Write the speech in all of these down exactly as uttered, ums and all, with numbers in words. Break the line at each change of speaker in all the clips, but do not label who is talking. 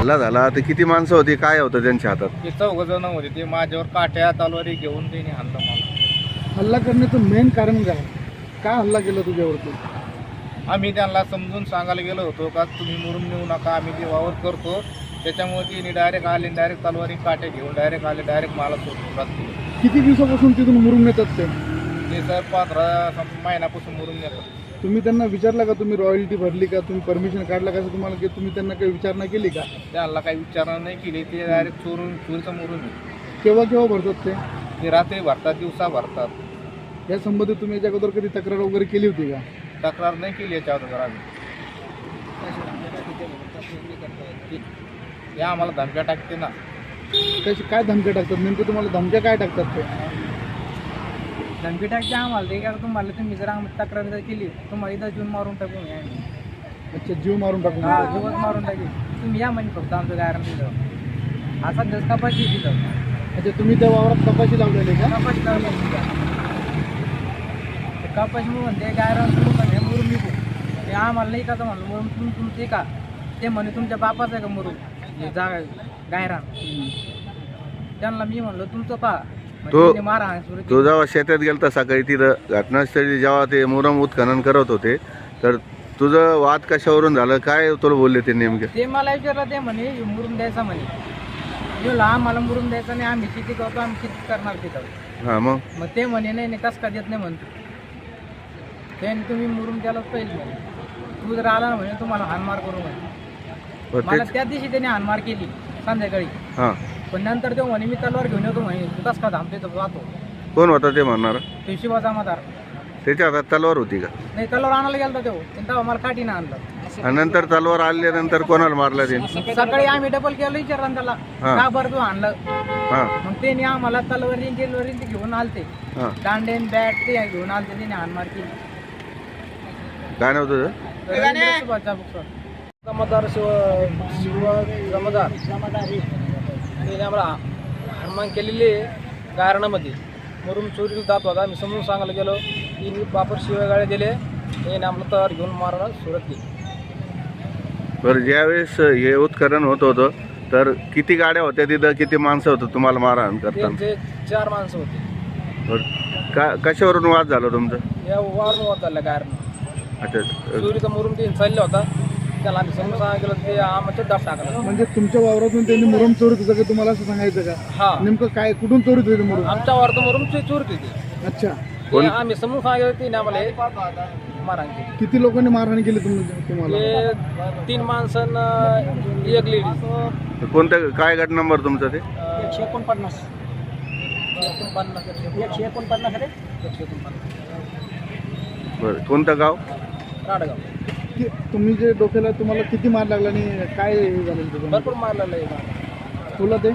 हल्ला झाला तर किती माणसं होती, काय होतं त्यांच्या हातात?
ते चौघ जण होते. ते माझ्यावर काट्या तलवारी घेऊन त्यांनी हाणलं मला.
हल्ला करण्याचं मेन कारण काय? का हल्ला केला तुझ्यावरती?
आम्ही त्यांना समजून सांगायला गेलो होतो का तुम्ही मुरुम नेऊ नका, आम्ही ते वावर करतो. त्याच्यामुळे त्यांनी डायरेक्ट आले, डायरेक्ट तलवारी काट्या घेऊन डायरेक्ट आले, डायरेक्ट मला सोडून राहतो.
किती दिवसापासून तिथून मुरुम नेतात ते?
ते सर पंधरा महिन्यापासून मुरुम नेतात.
तुम्ही त्यांना विचारलं का तुम्ही रॉयल्टी भरली का, तुम्ही परमिशन काढला का, तुम्हाला की तुम्ही त्यांना काही विचारणा केली का?
त्यांना काही विचारणा नाही केली. ते डायरेक्ट चोरून चोरीचं मुरुम आहे.
केव्हा केव्हा भरतात ते?
ते रात्री भरतात, दिवसा भरतात.
या संबंधित तुम्ही याच्या अगोदर कधी तक्रार वगैरे केली होती का?
तक्रार नाही केली याच्या अगोदर आम्ही. ते आम्हाला धमक्या टाकते ना.
कशी काय धमक्या टाकतात नेमकं? तुम्हाला धमक्या काय टाकतात ते?
धमकी टाकते आम्हाला. ते का तुम्हाला तुम्ही जर आम्ही तक्रार जर केली तुम्हाला इथं जीवन मारून टाकून या.
अच्छा, जीव मारून टाकून?
हा, जीवच मारून टाकेल. तुम्ही या म्हणे फक्त आमचं गायरण दिलं. असा जस कपाशी तिथं.
अच्छा, तुम्ही त्या वावरात कपाशी लावलेली का?
कपाशी लावली तिथं. ते कपाशी म्हणून ते गायरण सुरू म्हणे मुरुम निघू. ते आम्हाला नाही का तर म्हणलं मुरुम तुम तुमचे का? ते म्हणे तुमच्या बापाचं आहे का मुरुम हे जागा गायरान? त्यांना मी म्हणलं तुमचं पा.
तो
मारा
तो जेव्हा शेतात गेलता सकाळी, तिथं घटनास्थळी जेव्हा ते मुरम उत्खनन करत होते, तर तुझं वाद कशावरून झालं, काय तुला बोलले ते नेमके?
ते मला विचारलं. ते म्हणे मुरुम द्यायचा म्हणे. यो आम्हाला मुरुम द्यायचा नाही, आम्ही शेती करतो, आम्ही शेती करणार तिथं.
हां, मग
मग ते म्हणे नाही नाही कसं का देत नाही म्हणतो. त्याने तुम्ही मुरुम द्यायलाच पाहिजे म्हणे. तू जर आला ना म्हणे तुम्हाला हानमार करू म्हणे.
बरं,
मला
तेच.
त्या दिवशी त्याने हानमार केली संध्याकाळी.
हां,
पण नंतर तो म्हणे मी तलवार घेऊन येतो म्हणे. तू कसं का थांबते तर जातो.
कोण होता ते म्हणणार?
तो शिवा जमादार.
त्याच्या हातात तलवार होती का?
नाही तलवार आणायला गेला तो. तेव्हा मला काठीनं आणलं.
आणि नंतर तलवार आल्यानंतर कोणाला मारला ते?
सकाळी आम्ही डबल केलं विचारलं त्याला
हा.
का बरं तू आणलं.
हां,
मग त्याने आम्हाला तलवारी टेलवरी ते घेऊन आलते.
हां.
दांडेन बॅट ते घेऊन आलते. त्याने हानमार केली.
काय नाव तुझं?
रवींद्र सुभाषचा बुकसर. जमादार शिव शिव जमादार त्याने आम्हाला हानमार केलेली आहे गारणामध्ये. मुरुम चोरीला जात होता. मी समजून सांगायला गेलो की बापर शिवेगाळे दिले. त्याने आम्हाला तयार घेऊन मारायला सुरुवात केली.
बरं, ज्यावेळेस हे उत्खनन होत होतं तर किती गाड्या होत्या तिथं, किती माणसं होतं तुम्हाला मारहाण करताना?
त्यांचे चार माणसं होते.
बरं, का कशावरून वाद झाला तुमचं?
या वारून होत झालं गारणं.
अच्छा,
चोरीचा मुरुम ते चालला होता. त्याला आम्ही समजून सांगायला गेलो ते आमच्या दाब टाकला.
म्हणजे तुमच्या वावरातून त्यांनी मुरुम चोरीत होतं का तुम्हाला असं सांगायचं का?
हा,
नेमकं काय, कुठून चोरीत होते मुरुम?
आमच्या वावरात मुरुम चोरीत होती.
अच्छा,
ते आम्ही समजून सांगितलं ते आम्हाला मारहाण केली.
किती लोकांनी मारहाण केली तुम तुम्हाला?
ते तीन माणसं एक लेडीज.
कोणतं काय गट नंबर तुमचा ते?
एकशे एकोणपन्नास एकोणपन्नास एकशे एकोणपन्नास रे एकशे एकोणपन्नास.
बरं, कोणतं गाव?
राडगाव.
कि- तुम्ही जे डोक्याला तुम्हाला किती मार लागला आणि काय हे झालं तुझं?
भरपूर मारलेलं आहे.
तुला ते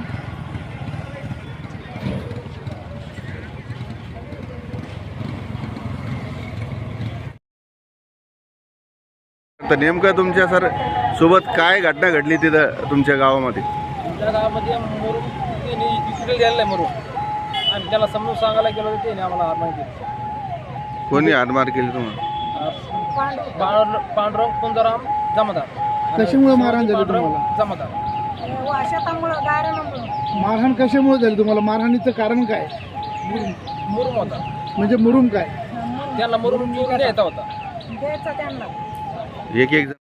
तर नेमकं तुमच्या सर सोबत काय घटना घडली तिथं तुमच्या गावामध्ये?
आमच्या गावामध्ये मुरुम त्यांनी विक्री द्यायला आहे मुरुम. आणि त्याला समजून सांगायला गेलो त्याने आम्हाला हार माहिती.
कोणी हातमार केली तुम्हाला?
पांडुरंग कुंजाराम जमादार.
कशामुळे मारहाण झाली
पांडुरंग
तुम्हाला?
जमादार.
शेतामुळं गायरानं
मारहाण कशामुळे झाली तुम्हाला? मारहाणीचं कारण काय?
मुरुम होता.
म्हणजे मुरुम काय?
त्यांना मुरुम द्यायचा होता.
द्यायचं त्यांना.
एक एक